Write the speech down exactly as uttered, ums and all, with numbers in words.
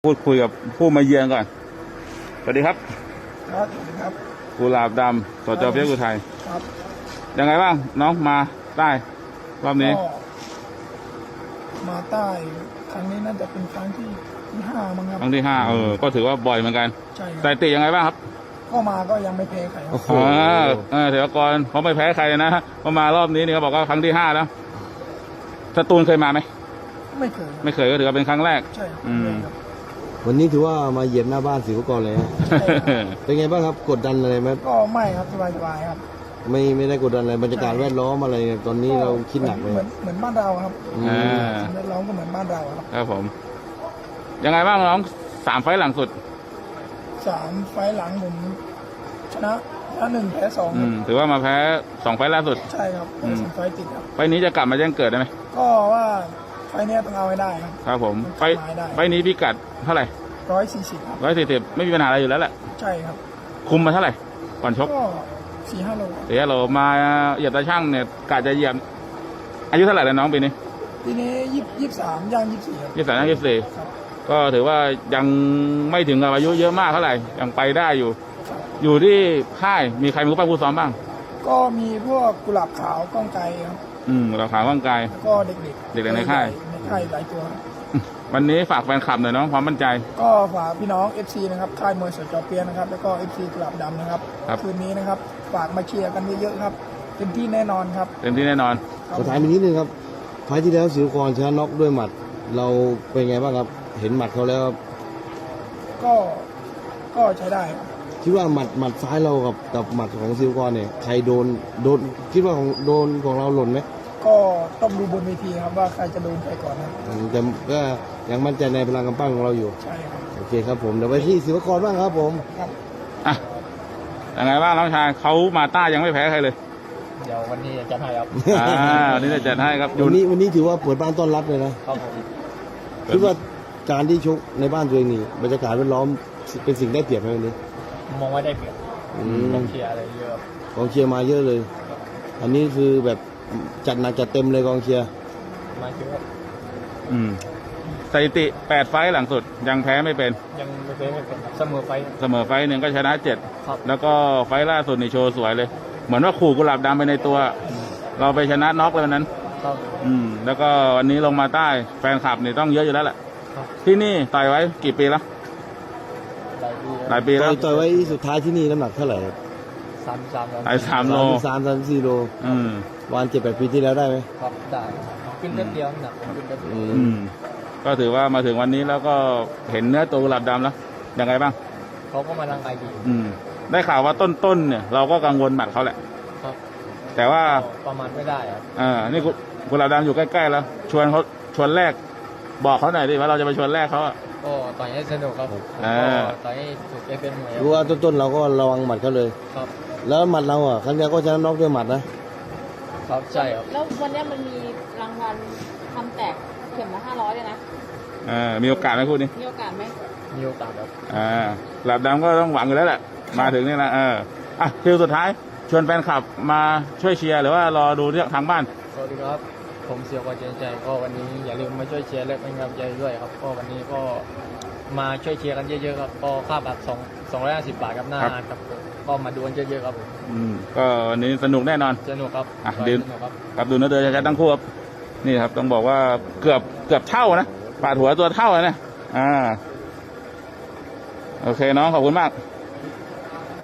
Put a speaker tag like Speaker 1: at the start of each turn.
Speaker 1: พูดคุยกับผู้มาเยือนก่อนสวัสดีครับ
Speaker 2: ครับครับ
Speaker 1: กุหลาบดำสจเปียกอุทัย
Speaker 2: ครับ
Speaker 1: ยังไงบ้างน้องมาใต้รอบนี้
Speaker 2: มาใต้ครั้งนี้น่าจะเป็นครั้งที่ที่ห้ามั้งครับ
Speaker 1: ครั้งที่ห้าเออก็ถือว่าบ่อยเหมือนกัน
Speaker 2: ใช่
Speaker 1: สถิติยังไงบ้างครับ
Speaker 2: ก็มาก็ยังไม่แพ้ใครครับ
Speaker 1: อ๋อเถวกรเขาไม่แพ้ใครนะพอมารอบนี้นี่เขาบอกว่าครั้งที่ห้าแล้วสตูลเคยมาไหม
Speaker 2: ไม่เคย
Speaker 1: ไม่เคยก็ถือว่าเป็นครั้งแรก
Speaker 2: ใช่ครับ
Speaker 3: วันนี้ถือว่ามาเหยียบหน้าบ้านศิวกรเลยเป็นไงบ้างครับกดดันอะไรไหม
Speaker 2: ก็ไม่ครับสบายๆครับ
Speaker 3: ไม่ไม่ได้กดดันอะไรบรรยากาศแวดล้อมอะไรตอนนี้เราคิดหนักเลย
Speaker 2: เหมือนเหมือนบ้านเราครับแวดล้อมก็เหมือนบ้านเราครับ
Speaker 1: ครับผมยังไงบ้างน้องสามไฟล์หลังสุด
Speaker 2: สามไฟล์หลังผมชนะชนะหนึ่งแพ้สอง
Speaker 1: ถือว่ามาแพ้สองไฟล์ล่าสุด
Speaker 2: ใช่ครับสองไฟล์ติดครับ
Speaker 1: ไฟล์นี้จะกลับมาแจ้งเกิดได้ไหม
Speaker 2: ก็ว่าไฟล์นี้ต้องเอาให้ได้ครับ
Speaker 1: ครับผมไฟล์ไฟล์นี้พิกัดเท่าไหร่
Speaker 2: ร้อยสี่สิบครับ
Speaker 1: ร้อยสี่สิบไม่มีปัญหาอะไรอยู่แล้วแหละ
Speaker 2: ใช่ครับ
Speaker 1: คุมมาเท่าไหร่ก่อนชก
Speaker 2: ก็สี่ห้าโล
Speaker 1: เดี๋ยวเรามาเหยียบตาช่างเนี่ยกะจะเหยียบอายุเท่าไหร่แล้วน้องปีนี้
Speaker 2: ปีนี้ยี่ยี่สามย่างยี่สี่ครับ
Speaker 1: ยี่สามย่างยี่สี่ก็ถือว่ายังไม่ถึงกับอายุเยอะมากเท่าไหร่ยังไปได้อยู่อยู่ที่ค่ายมีใครมีผู้ปั้มผู้ซ้อมบ้าง
Speaker 2: ก็มีพวกกุหลาบขาวก้องไกครับ
Speaker 1: อืมกุหลาบขาวก้องไก
Speaker 2: ก็เด็กๆ
Speaker 1: เด็กๆในค่าย
Speaker 2: ในค่ายหลายตัว
Speaker 1: วันนี้ฝากแฟนคลับหน่อยน้องความมั่นใจ
Speaker 2: ก็ฝากพี่น้อง เอฟ ซี นะครับค่ายมวยสจเปียนะครับแล้วก็ เอฟ ซี กุหลาบดำนะครับคืนนี้นะครับฝากมาเชียร์กันเยอะๆครับเต็มที่แน่นอนครับ
Speaker 1: เต็มที่แน่นอน
Speaker 3: สุดท้ายนิดนึงครับไฟล์ที่แล้วศิวกรชนะน็อกด้วยหมัดเราเป็นไงบ้างครับเห็นหมัดเขาแล้ว
Speaker 2: ก็ก็ใช้ได้
Speaker 3: คิดว่าหมัดหมัดซ้ายเรากับกับหมัดของศิวกรเนี่ยใครโดนโดนคิดว่าของโดนของเราหล่นไหม
Speaker 2: ก็ต้องดูบนเวทีครับว่าใครจะโดนใครก่อนครับ
Speaker 3: แต่ก็ยังมั่นใจในพลังกำปั้นของเราอยู่
Speaker 2: ใช่ครับ
Speaker 3: โอเคครับผมเดี๋ยวไปที่ศิวกรบ้างครับผม
Speaker 2: ครับ
Speaker 1: อ่ะยังไงบ้างน้องชายเขามาต้ายังไม่แพ้ใครเลย
Speaker 2: เดี๋ยววันนี้จะให้ครับ
Speaker 1: อ่าวันนี้จะจัดให้ครับ
Speaker 3: วันนี้วันนี้ถือว่าเปิดบ้านต้อนรับเลยนะครับผมคิดว่าการที่ชกในบ้านตัวเองนี่บรรยากาศแวดล้อมเป็นสิ่งได้เปรียบไหมวันนี้
Speaker 2: มองว่าได้เปรียบกองเชียร์อะไรเยอะ
Speaker 3: กองเชียร์มาเยอะเลยอันนี้คือแบบจัดหนักจัดเต็มเลยกองเชียร์
Speaker 2: มาเยอะ
Speaker 1: อืมสถิติแปดไฟล์หลังสุดยังแพ้ไม่เป็น
Speaker 2: ยังไม่แพ้ไม่เป็นเสมอไฟ
Speaker 1: เสมอไฟหนึ่งก็ชนะเจ็ดแล้วก็ไฟล่าสุดในโชว์สวยเลยเหมือนว่าขู่กุหลาบดำไปในตัวเราไปชนะน็อกเลยวันนั้นอืมแล้วก็วันนี้ลงมาใต้แฟนคลับนี่ต้องเยอะอยู่แล้วแหละที่นี่ต่อยไว้กี่ปีแล้วหลายปีแล้ว
Speaker 3: ต่อยไว้สุดท้ายที่นี่น้ำหนักเท่าไหร่
Speaker 2: สามสาม
Speaker 1: ไอ้สามโล
Speaker 3: สามสามสี่โล
Speaker 1: อืม
Speaker 3: วันเจ็ดแปดปีที่แล้วได้ไหม
Speaker 2: ครับได้ขึ้นแป๊บเดียวหนักขึ้นแป๊บเดียว
Speaker 1: อืมก็ถือว่ามาถึงวันนี้แล้วก็เห็นเนื้อตัวกุหลาบดำแล้วยังไงบ้าง
Speaker 2: เขาก็มาร่างกายดี
Speaker 1: อืมได้ข่าวว่าต้นๆเนี่ยเราก็กังวลหมัดเขาแหละ
Speaker 2: ครับ
Speaker 1: แต่ว่า
Speaker 2: ประมาณไม่ได้ครับ
Speaker 1: อ่านี่กุหลาบดำอยู่ใกล้ๆแล้วชวนเขาชวนแรกบอกเขาหน่อยดิว่าเราจะไปชวนแรกเขาอ่ะ
Speaker 2: ก็ต่อยให้สนุกครับผมก็ต่อยให้ถูกเอฟเอ็มเลย
Speaker 3: รู้ว่าต้นๆเราก็ระวังหมัดเขาเลย
Speaker 2: ครับ
Speaker 3: แล้วหมัดเราอ่ะครั้งนี้ก็ชนะน็อกด้วยหมัดนะครับ
Speaker 2: ใช่ครับ
Speaker 4: แล้ววันนี้มันมีรางวัลทำแตกเข็มละห้าร้อยเลยนะ
Speaker 1: อ่ามีโอกาสไหมพูดนี่
Speaker 4: มีโอกาสไหม
Speaker 2: มีโอกาสครับ
Speaker 1: อ่าหลับดำก็ต้องหวังอยู่แล้วแหละมาถึงนี่นะเอออ่ะคิวสุดท้ายชวนแฟนคลับมาช่วยเชียร์หรือว่ารอดูที่ทางบ้าน
Speaker 2: สวัสดีครับผมเสียวกว่าเจนใจก็วันนี้อย่าลืมมาช่วยเชียร์และเป็นกำลังใจด้วยครับก็วันนี้ก็มาช่วยเชียร์กันเยอะๆครับก็ค่าบัตรสองสองร้อยห้าสิบบาทครับหน้าครับก็มาดูกันเยอะๆครับผม
Speaker 1: อืมก็วันนี้สนุกแน่นอน
Speaker 2: สนุกครับ
Speaker 1: อ่ะดูครับดูนะเดินชัดๆทั้งคู่ครับนี่ครับต้องบอกว่าเกือบเกือบเท่านะปาดหัวตัวเท่าเลยนะอ่าโอเคน้องขอบคุณมาก